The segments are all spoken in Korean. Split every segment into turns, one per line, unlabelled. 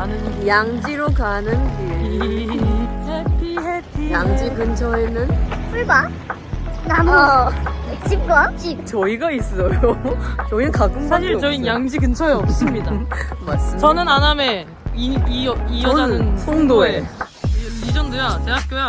가는 길.
양지로 가는 길.
해피 해피.
양지 근처에는
풀과 나무, 집과 집.
저희가 있어요. 저희는 가끔
사실 저희는 양지 근처에 없습니다.
맞습니다.
저는 안암에 이 여자는
저는 송도에.
리전드야. 대학교야.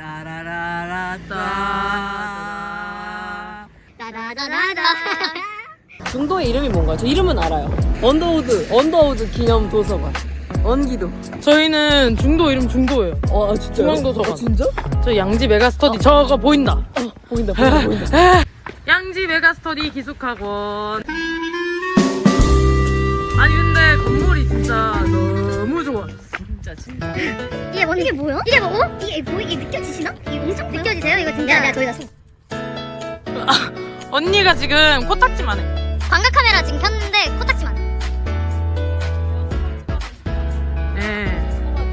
따라라라라.
중도의 이름이 뭔가요? 저 이름은 알아요. 언더우드 기념 도서관. 언기도.
저희는 중도 이름 중도예요.
아 진짜.
중앙도서관.
진짜?
저 양지 메가스터디 저거 보인다.
보인다.
양지 메가스터디 기숙학원. 아니 근데 건물이 진짜 너무 좋아. 진짜.
이게 뭔 이게 뭐야? 이게 뭐? 이게 보이게 느껴지시나? 이게 엄청 느껴지세요? 이거 진짜. 야, 저희가
언니가 지금 코딱지만 해.
광각 카메라 지금 켰는데 코딱지만.
네.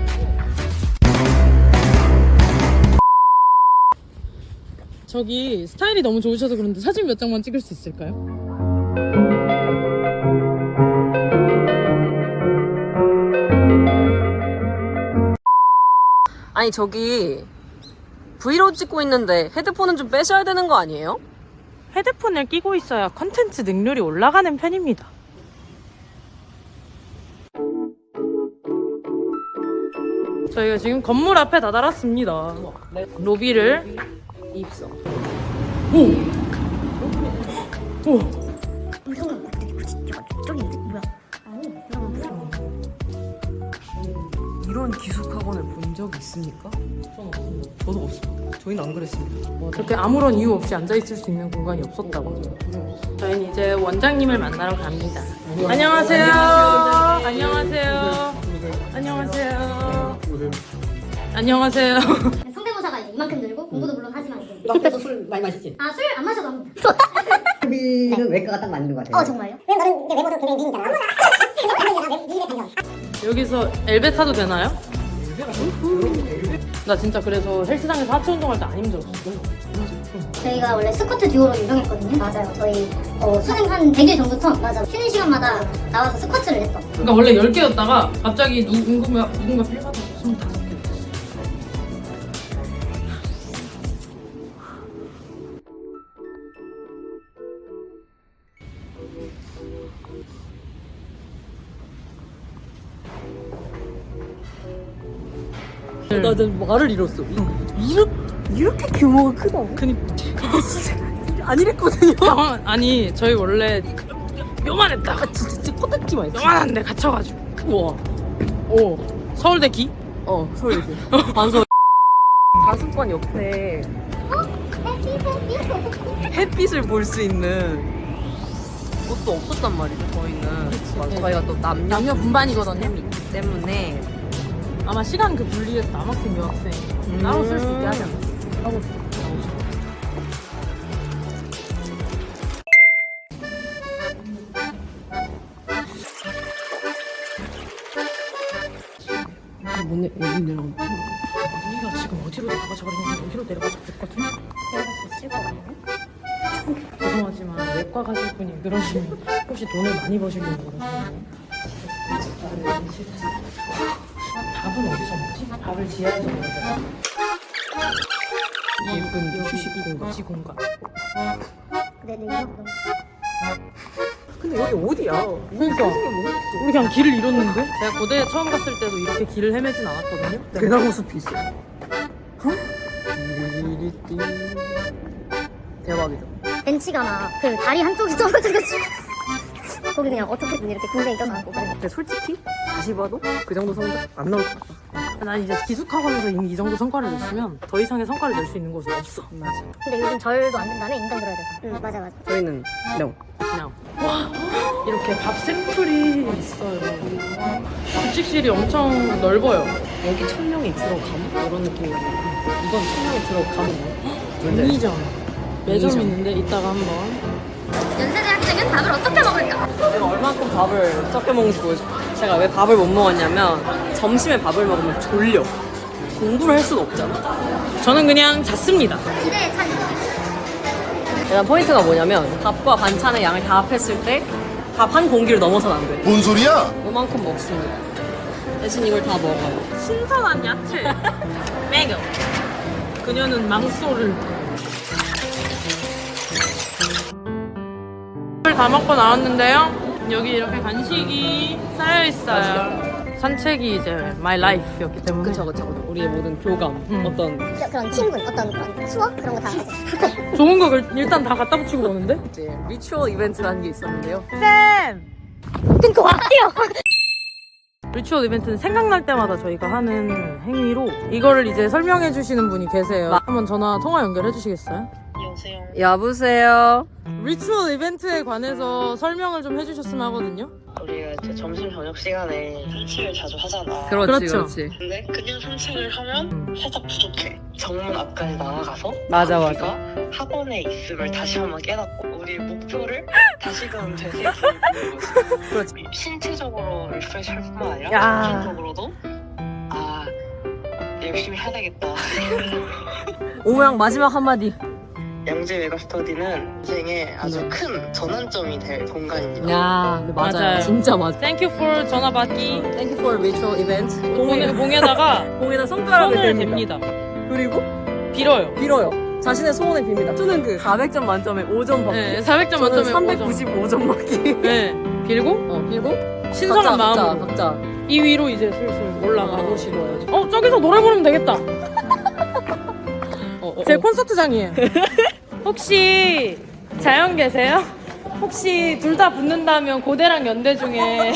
저기 스타일이 너무 좋으셔서 그런데 사진 몇 장만 찍을 수 있을까요?
아니 저기 브이로그 찍고 있는데 헤드폰은 좀 빼셔야 되는 거 아니에요?
헤드폰을 끼고 있어야 컨텐츠 능률이 올라가는 편입니다. 저희가 지금 건물 앞에 다다랐습니다. 로비를
입성.
저기 뭐야?
이런 기숙학원을 본 적 있습니까? 저도 없습니다. 저희는 안 그랬습니다.
저렇게 아무런 이유 없이 앉아있을 수 있는 공간이 없었다고. 저희는 이제 원장님을 만나러 갑니다. 안녕하세요. 안녕하세요. 안녕하세요. 안녕하세요.
성대모사가 이제 이만큼 늘고 공부도 물론 하지만 이제.
너 그래서 술 많이 마시지?
아, 술 안 마셔도 합니다.
수비는 외과가 딱 맞는 것 같아요.
정말요?
왜 너는 이제 외모도 굉장히 미인이잖아. 미인의 반전.
여기서 엘베 타도 되나요? 나 진짜 그래서 헬스장에서 하체 운동할 때 안 힘들었어.
저희가 원래 스쿼트 듀오로 유명했거든요. 맞아요. 저희 수능 한 100일 전부터 쉬는 시간마다 나와서 스쿼트를 했어.
그러니까 원래 10개였다가 갑자기 누군가 필요하다고 25개 됐어.
나 진짜 말을 잃었어. 이렇게 규모가 크다고? 안 이랬거든요.
아니 저희 원래 요만했다.
진짜 코딱지만 있어.
요만한데 갇혀가지고.
우와.
서울대 기?
서울대. 반서. 가슴권 옆에 햇빛을 볼 수 있는 곳도 없었단 말이죠. 저희는. 저희가 또
남녀 분반이거든요.
이 있기 때문에.
아마 시간 그 분리해서 남학생 여학생 따로 쓸 수 있게 하지 않나? 따로
뭐네 여기 내려가면
언니가 지금 어디로 내려가자 그랬는데 여기로 내려가자 그랬거든? 죄송하지만 외과 가실 분이 그러시면 혹시 돈을 많이 버시려고 그러시나요? 밥은 어디서 먹지? 밥을 지하에서 먹어야
예쁜 휴식 공간.
휴식 공간.
네네.
근데 여기 어디야?
그러니까
뭐
우리 그냥 길을 잃었는데? 제가 고대에 처음 갔을 때도 이렇게 길을 헤매진 않았거든요?
대나무 숲이 있어. 대박이다.
벤치가 그 다리 한쪽이 떨어져가지고 거기 그냥 어떻게든 이렇게 군대에 껴서 그래.
근데 솔직히 다시 봐도 그 정도 성적 안 나올 것 같다.
난 이제 기숙학원에서 이미 이 정도 성과를 냈으면 더 이상의 성과를 낼 수 있는 곳은 없어.
맞아.
근데 요즘 절도 안 된다며 인간 들어야 돼서. 응, 맞아.
저희는 명.
그냥 와 이렇게 밥 샘플이 있어요. 급식실이 엄청 넓어요.
여기 1000명이 들어가면 이런 느낌이야. 이건 1000명이 들어가면
매니점 매점 있는데 이따가 한번.
연세대 학생은 밥을 어떻게 먹을까?
내가 얼만큼 밥을 적게 먹는지 보여줘. 제가 왜 밥을 못 먹었냐면 점심에 밥을 먹으면 졸려. 공부를 할 수는 없잖아.
저는 그냥 잤습니다.
기대에 찬.
일단 포인트가 뭐냐면 밥과 반찬의 양을 다 합했을 때 밥 한 공기를 넘어서는 안 돼.
뭔 소리야?
요만큼 먹습니다. 대신 이걸 다 먹어요.
신선한 야채. 매겨. 그녀는 망소를. 다 먹고 나왔는데요. 여기 이렇게 간식이 쌓여 있어요. 산책이 이제 my life였기 때문에.
그쵸. 우리의 모든 교감, 어떤
그런 친분, 어떤 그런 수업 그런 거 다 하죠.
좋은 거 일단 다 갖다 붙이고 오는데?
이제 리추얼 이벤트라는 게 있었는데요.
끊고 왔대요.
리추얼 이벤트는 생각날 때마다 저희가 하는 행위로 이거를 이제 설명해 주시는 분이 계세요. 한번 통화 연결해 주시겠어요?
여보세요.
리추얼 이벤트에 관해서 설명을 좀 해주셨으면 하거든요.
우리가 이제 점심 저녁 시간에 산책을 자주 하잖아.
그렇죠.
근데 그냥 산책을 하면 살짝 부족해. 정문 앞까지 나아가서
맞아.
우리가 학원에 있음을 다시 한번 깨닫고 우리 목표를 다시금 되새기는 거지.
그렇지.
신체적으로 리프레시할 뿐만 아니라
야.
정신적으로도 열심히 해야 되겠다.
오모양 마지막 한마디.
양재 메가스터디는 인생에 아주 큰 전환점이 될 공간입니다.
야, 맞아요.
맞아요.
진짜 맞아.
Thank you for 전화 받기.
Thank you for ritual event.
봉에다가
공에다 손가락을
손을
댑니다.
댑니다.
그리고
빌어요.
빌어요. 자신의 소원을 빕니다. 저는 그 400점 만점에 5점 받기.
네, 400점
저는
만점에
395점 받기.
네, 빌고
빌고
신선한 마음으로
각자.
이 위로 이제 슬슬 올라가고
싶어요.
저기서 노래 부르면 되겠다. 제 콘서트장이에요. 혹시 자연 계세요? 혹시 둘 다 붙는다면 고대랑 연대 중에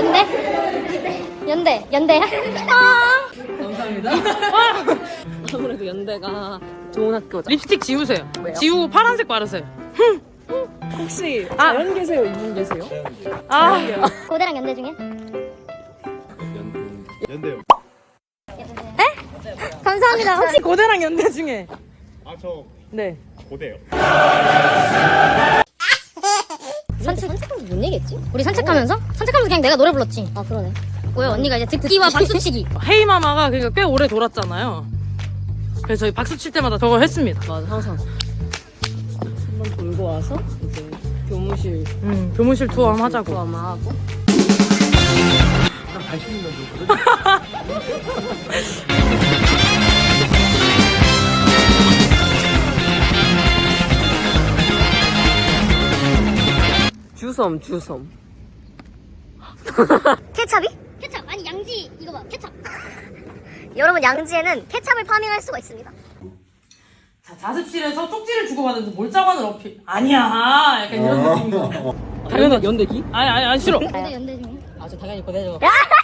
연대야?
감사합니다. 아무래도 연대가 좋은 학교죠.
립스틱 지우세요.
왜요?
지우고 파란색 바르세요.
혹시 자연 계세요? 이분 계세요?
고대랑 연대 중에?
연대요.
감사합니다.
혹시 고대랑 연대 중에
저
네.
고대요.
산책하면서 뭔 얘기했지? 우리 산책하면서 그냥 내가 노래 불렀지. 아 그러네. 왜 언니가 이제 듣기와 박수치기.
헤이마마가 그러니까 꽤 오래 돌았잖아요. 그래서 저희 박수 칠 때마다 저걸 했습니다.
맞아, 항상 한번 돌고 와서 이제 교무실
교무실 투어 한번 하자고.
투어 한번 하고.
난 관심 있는 거거든.
주섬.
케찹이? 케찹 아니 양지 이거 봐 케찹. 여러분 양지에는 케찹을 파밍할 수가 있습니다.
자, 자습실에서 쪽지를 주고받으면서 몰자관을 어필. 아니야. 약간 이런 느낌인 거. 당연하지.
연대기?
아니 싫어.
고대 연대 중에?
저 당연히 보내줘.
야!